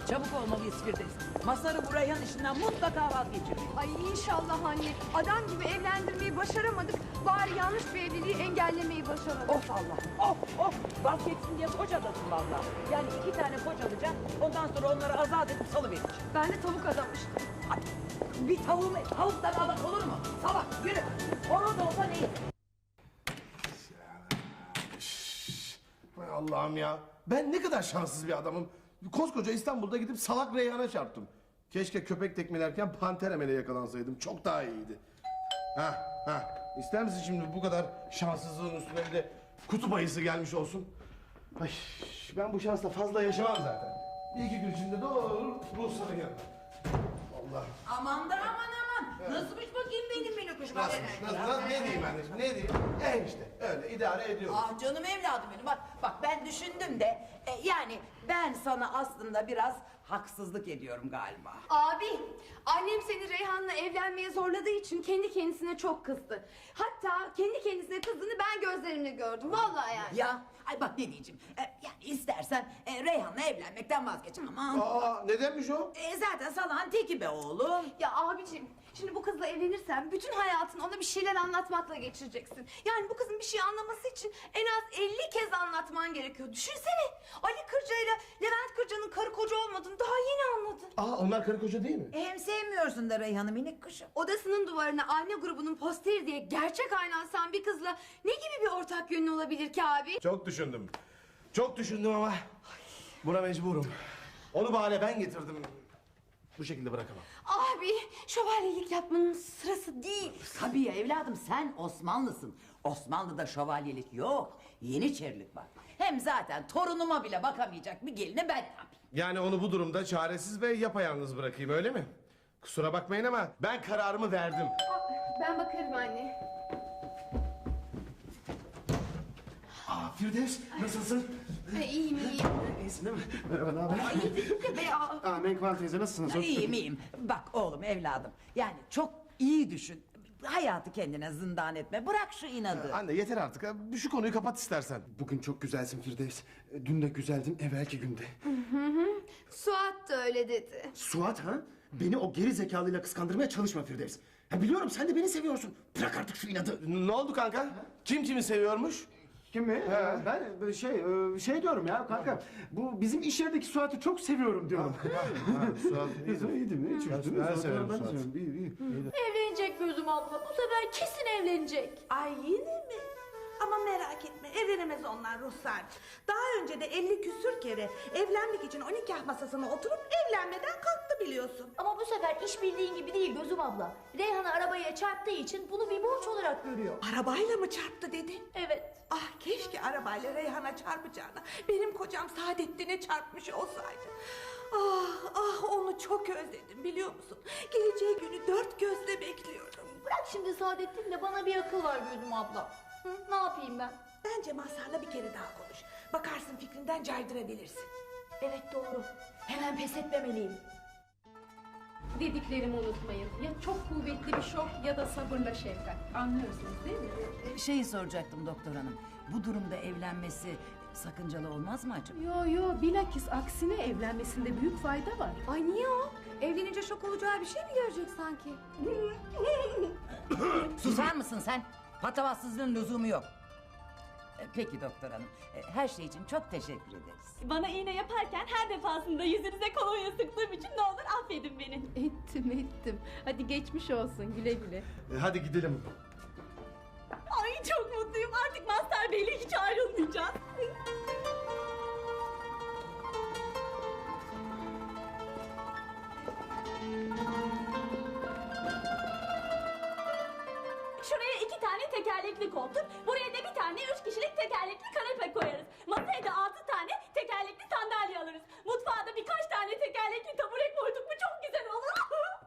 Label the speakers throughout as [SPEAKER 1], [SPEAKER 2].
[SPEAKER 1] Çabuk olmalıyız Firdevs. Mazhar'ı bu Reyhan işinden mutlaka vazgeçirmek.
[SPEAKER 2] Ay inşallah anne. Adam gibi evlendirmeyi başaramadık. Bari yanlış bir evliliği engellemeyi başaralım.
[SPEAKER 1] Of Allah, of. Vazgeçsin diye koç adasın valla. Yani 2 tane koç alacağım. Ondan sonra onları azat edip salıvereceğim.
[SPEAKER 2] Ben de tavuk adamıştım.
[SPEAKER 1] Hadi. Bir tavuktan adak olur mu? Salak yürü. Horoz olsa neyse.
[SPEAKER 3] Hay Allah'ım ya. Ben ne kadar şanssız bir adamım. Koskoca İstanbul'da gidip salak Reyhan'a çarptım. Keşke köpek tekmelerken panter emele yakalansaydım. Çok daha iyiydi. Ha. İster misin şimdi bu kadar şanssızlığın üstüne bir de kutup ayısı gelmiş olsun? Ay, ben bu şansla fazla yaşamam zaten. Bir iki gün içinde doğru Ruhsar'ın yanına. Allah.
[SPEAKER 1] Aman da aman. Nasılmış bakayım benim minik kuşum?
[SPEAKER 3] Nasıl? Ne diyeyim anneciğim? Ne diyeyim? İşte öyle idare ediyoruz.
[SPEAKER 1] Ah canım evladım benim. Bak ben düşündüm de yani ben sana aslında biraz haksızlık ediyorum galiba.
[SPEAKER 2] Abi, annem seni Reyhan'la evlenmeye zorladığı için kendi kendisine çok kızdı. Hatta kendi kendisine kızdığını ben gözlerimle gördüm. Vallahi yani.
[SPEAKER 1] Ya ay bak ne diyeceğim. Yani istersen Reyhan'la evlenmekten vazgeç ama.
[SPEAKER 3] Nedenmiş o?
[SPEAKER 1] Zaten salağın teki be oğlum.
[SPEAKER 2] Ya abicim, şimdi bu kızla evlenirsen bütün hayatını ona bir şeyler anlatmakla geçireceksin. Yani bu kızın bir şey anlaması için en az 50 kez anlatman gerekiyor. Düşünsene, Ali Kırca ile Levent Kırca'nın karı koca olmadığını daha yeni anladın.
[SPEAKER 3] Onlar karı koca değil mi?
[SPEAKER 1] Hem sevmiyorsun da Reyhan'ı minik kuşum.
[SPEAKER 2] Odasının duvarına anne grubunun posteri diye gerçek ayna asan bir kızla ne gibi bir ortak yönün olabilir ki abi?
[SPEAKER 3] Çok düşündüm. Çok düşündüm ama buna mecburum. Onu bahane ben getirdim. Bu şekilde bırakamam.
[SPEAKER 2] Abi, şövalyelik yapmanın sırası değil.
[SPEAKER 1] Tabii ya evladım sen Osmanlısın. Osmanlı'da şövalyelik yok. Yeniçerilik var. Hem zaten torunuma bile bakamayacak bir gelini ben yapayım.
[SPEAKER 3] Yani onu bu durumda çaresiz ve yapayalnız bırakayım öyle mi? Kusura bakmayın ama ben kararımı verdim.
[SPEAKER 2] Ben bakarım anne.
[SPEAKER 3] Firdevs nasılsın?
[SPEAKER 2] İyiyim.
[SPEAKER 3] İyisin değil mi? Merhaba ne haber?
[SPEAKER 4] Menkıbe teyze nasılsınız?
[SPEAKER 1] İyiyim. Bak oğlum evladım. Yani çok iyi düşün. Hayatı kendine zindan etme. Bırak şu inadı.
[SPEAKER 3] Anne yeter artık. Şu konuyu kapat istersen.
[SPEAKER 4] Bugün çok güzelsin Firdevs. Dün de güzeldin evvelki günde.
[SPEAKER 2] Suat da öyle dedi.
[SPEAKER 4] Suat ha? Beni o geri zekalıyla kıskandırmaya çalışma Firdevs. Ha, biliyorum sen de beni seviyorsun. Bırak artık şu inadı.
[SPEAKER 3] Ne oldu kanka? Kim kimi seviyormuş?
[SPEAKER 4] Kim mi? Ben şey diyorum ya kanka. Bu bizim iş yerindeki Suat'ı çok seviyorum diyorum.
[SPEAKER 3] Suat
[SPEAKER 4] İyi değil mi? Hiç üzdün mü?
[SPEAKER 3] Ben severim Suat.
[SPEAKER 4] İyi.
[SPEAKER 5] Evlenecek gözüm abla. Bu sefer kesin evlenecek.
[SPEAKER 6] Ay yine mi? Ama merak etme evlenemez onlar Ruhsar'cığım. Daha önce de 50 küsür kere evlenmek için o nikah masasına oturup evlenmeden kalktı biliyorsun.
[SPEAKER 5] Ama bu sefer iş bildiğin gibi değil gözüm abla. Reyhan'ı arabaya çarptığı için bunu bir borç olarak görüyor.
[SPEAKER 6] Arabayla mı çarptı dedin?
[SPEAKER 5] Evet.
[SPEAKER 6] Ah keşke arabayla Reyhan'a çarpacağına benim kocam Saadettin'e çarpmış olsaydı. Ah onu çok özledim biliyor musun? Geleceği günü dört gözle bekliyorum.
[SPEAKER 5] Bırak şimdi Saadettin de bana bir akıl var gözüm abla. Hı, ne yapayım ben?
[SPEAKER 6] Bence Mazhar'la bir kere daha konuş. Bakarsın fikrinden caydırabilirsin.
[SPEAKER 5] Evet doğru. Hemen pes etmemeliyim.
[SPEAKER 7] Dediklerimi unutmayın. Ya çok kuvvetli bir şok ya da sabırla şefkat. Anlıyorsunuz değil mi?
[SPEAKER 1] Şeyi soracaktım doktor hanım. Bu durumda evlenmesi sakıncalı olmaz mı acaba?
[SPEAKER 7] Yo bilakis aksine evlenmesinde büyük fayda var.
[SPEAKER 2] Ay niye o? Evlenince şok olacağı bir şey mi görecek sanki?
[SPEAKER 1] Susar mısın sen? Patavatsızlığın lüzumu yok. Peki doktor hanım. Her şey için çok teşekkür ederiz.
[SPEAKER 5] Bana iğne yaparken her defasında yüzünüze kolonya sıktığım için ne olur affedin beni.
[SPEAKER 7] Ettim. Hadi geçmiş olsun güle güle.
[SPEAKER 3] Hadi gidelim.
[SPEAKER 5] Ay çok mutluyum artık Mazhar Bey'le hiç ayrılmayacağız. Şuraya 2 tane tekerlekli koltuk, buraya da bir tane 3 kişilik tekerlekli kanepe koyarız. Masaya da 6 tane tekerlekli sandalye alırız. Mutfağa da birkaç tane tekerlekli tabure koyduk mu çok güzel olur.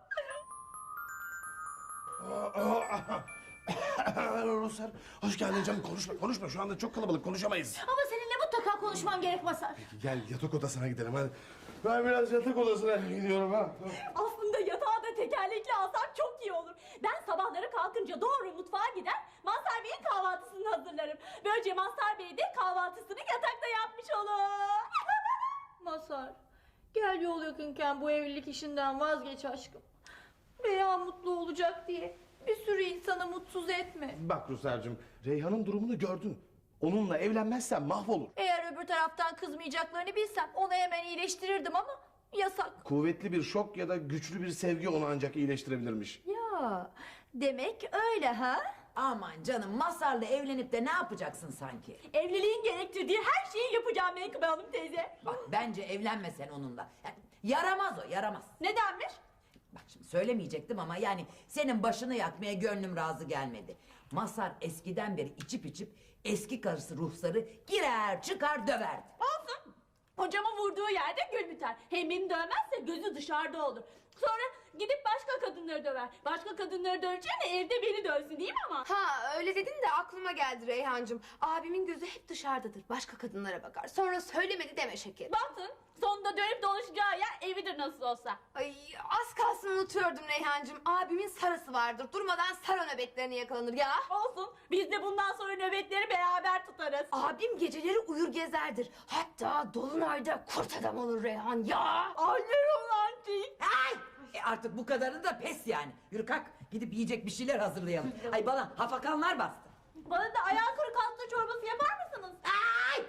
[SPEAKER 3] Ruslar hoş geldin canım. Konuşma şu anda çok kalabalık konuşamayız.
[SPEAKER 5] Ama seninle mutlaka konuşmam gerek Mazhar.
[SPEAKER 3] Gel yatak odasına gidelim hadi. Ben biraz yatak odasına gidiyorum ha.
[SPEAKER 5] Aslında yatağı da tekerlekli alsam çok iyi olur. Ben sabahları kalkınca doğru mutfağa gider, Mazhar Bey'in kahvaltısını hazırlarım. Böylece Mazhar Bey de kahvaltısını yatakta yapmış olur. Mazhar, Gel yol yakınken bu evlilik işinden vazgeç aşkım. Reyhan mutlu olacak diye bir sürü insanı mutsuz etme.
[SPEAKER 3] Bak Ruslar'cığım, Reyhan'ın durumunu gördün. Onunla evlenmezsen mahvolur.
[SPEAKER 5] Eğer öbür taraftan kızmayacaklarını bilsem onu hemen iyileştirirdim ama yasak.
[SPEAKER 3] Kuvvetli bir şok ya da güçlü bir sevgi onu ancak iyileştirebilirmiş.
[SPEAKER 5] Ya demek öyle ha?
[SPEAKER 1] Aman canım, Mazhar'la evlenip de ne yapacaksın sanki?
[SPEAKER 5] Evliliğin gerektirdiği her şeyi yapacağım Menkıbe Hanım teyze.
[SPEAKER 1] Bak bence evlenme sen onunla. Yani yaramaz o, yaramaz.
[SPEAKER 5] Nedenmiş?
[SPEAKER 1] Bak şimdi söylemeyecektim ama yani senin başını yakmaya gönlüm razı gelmedi. Mazhar eskiden beri içip eski karısı Ruhsar'ı girer çıkar döverdi.
[SPEAKER 5] Olsun. Hocama vurduğu yerde gül biter. Hem beni dövmezse gözü dışarıda olur. Sonra gidip başka kadınları döver. Başka kadınları döveceğine evde beni dövsün değil mi ama?
[SPEAKER 2] Ha öyle dedin de aklıma geldi Reyhancığım. Abimin gözü hep dışarıdadır. Başka kadınlara bakar. Sonra söylemedi deme şeker.
[SPEAKER 5] Bakın sonunda dönüp dolaşacağı yer evidir nasıl olsa.
[SPEAKER 2] Ay az kalsın unutuyordum Reyhancığım. Abimin sarısı vardır. Durmadan sarı nöbetlerine yakalanır ya.
[SPEAKER 5] Olsun biz de bundan sonra nöbetleri beraber tutarız.
[SPEAKER 2] Abim geceleri uyur gezerdir. Hatta dolunayda kurt adam olur Reyhan ya.
[SPEAKER 5] Ay ne romantik.
[SPEAKER 1] Ay! Artık bu kadarı da pes yani. Yürü kalk, gidip yiyecek bir şeyler hazırlayalım. Ay bana hafakanlar bastı.
[SPEAKER 5] Bana da ayağı kırık hasta çorbası yapar mısınız?
[SPEAKER 1] Ay!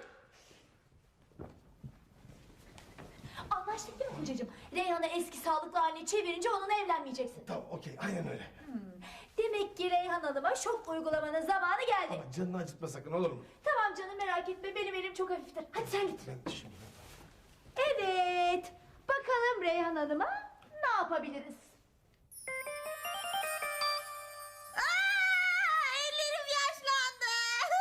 [SPEAKER 5] Anlaştık değil mi kocacığım? Reyhan'ı eski sağlıklı haline çevirince onunla evlenmeyeceksin.
[SPEAKER 3] Tamam, okey, aynen öyle.
[SPEAKER 5] Demek ki Reyhan Hanım'a şok uygulamanın zamanı geldi.
[SPEAKER 3] Ama canını acıtma sakın, olur mu?
[SPEAKER 5] Tamam canım merak etme benim elim çok hafiftir. Hadi sen git.
[SPEAKER 3] Ben şimdi...
[SPEAKER 5] Evet. Bakalım Reyhan Hanım'a ne yapabiliriz?
[SPEAKER 6] Ellerim yaşlandı.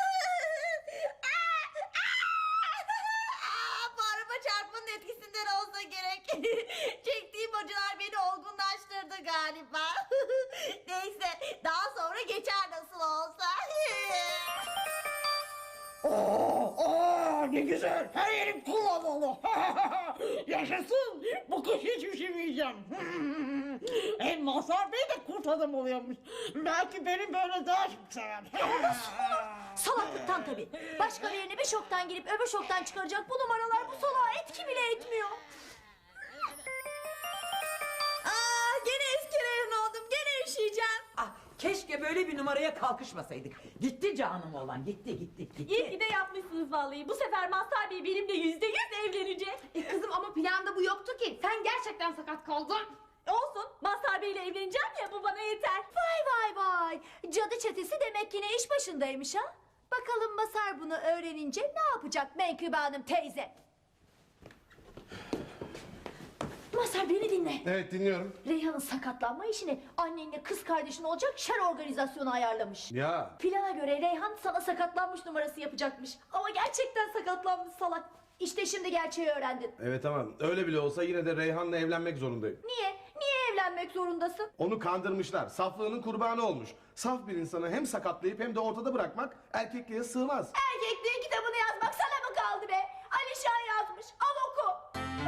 [SPEAKER 6] Bu araba çarpmanın etkisinden olsa gerek. Çektiğim acılar beni olgunlaştırdı galiba. Neyse daha sonra geçer nasıl olsa.
[SPEAKER 8] Ne güzel. Her yerim kullanmalı. Yaşasın. Bu kış hiç üşümeyeceğim. Hem Mazhar Bey de kurt adam oluyormuş. Belki beni böyle daha çok sever.
[SPEAKER 5] Salaklıktan tabii. Başka birine bir şoktan girip öbür şoktan çıkaracak bu numaralar bu salağa etki bile etmiyor.
[SPEAKER 6] Gene eski Reyhan oldum. Gene üşüyeceğim.
[SPEAKER 1] Ah, keşke böyle bir numaraya kalkışmasaydık. Gitti canım oğlan, gitti.
[SPEAKER 5] İyi ki de yapmışsınız vallahi. Bu sefer Mazhar Bey benimle %100 evlenecek.
[SPEAKER 2] Kızım ama planda bu yoktu ki. Sen gerçekten sakat kaldın.
[SPEAKER 5] Olsun. Mazhar Bey'le evleneceğim ya bu bana yeter. Vay. Cadı çetesi demek yine iş başındaymış ha. Bakalım Mazhar bunu öğrenince ne yapacak Menkıbe Hanım teyze? Mazhar beni dinle.
[SPEAKER 3] Evet, dinliyorum.
[SPEAKER 5] Reyhan'ın sakatlanma işini annenle kız kardeşin olacak şer organizasyonu ayarlamış.
[SPEAKER 3] Ya,
[SPEAKER 5] Plana göre Reyhan sana sakatlanmış numarası yapacakmış. Ama gerçekten sakatlanmış salak. İşte şimdi gerçeği öğrendin.
[SPEAKER 3] evet tamam. Öyle bile olsa yine de Reyhan'la evlenmek zorundayım.
[SPEAKER 5] Niye? Niye evlenmek zorundasın?
[SPEAKER 3] Onu kandırmışlar. Saflığının kurbanı olmuş. Saf bir insanı hem sakatlayıp hem de ortada bırakmak erkekliğe sığmaz.
[SPEAKER 5] Erkekliğin kitabını yazmak sana mı kaldı be? Alişan yazmış. Al oku.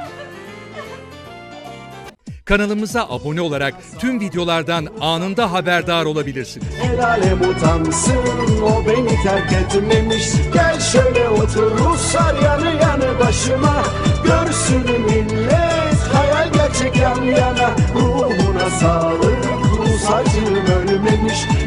[SPEAKER 9] Kanalımıza abone olarak tüm videolardan anında haberdar olabilirsiniz.
[SPEAKER 4] El alem utansın, o beni terk etmemiş. Gel şöyle otur Ruslar yanı yanı başıma. Görsün millet hayal gerçek yan yana. Ruhuna sağlık, Rus acım ölmemiş.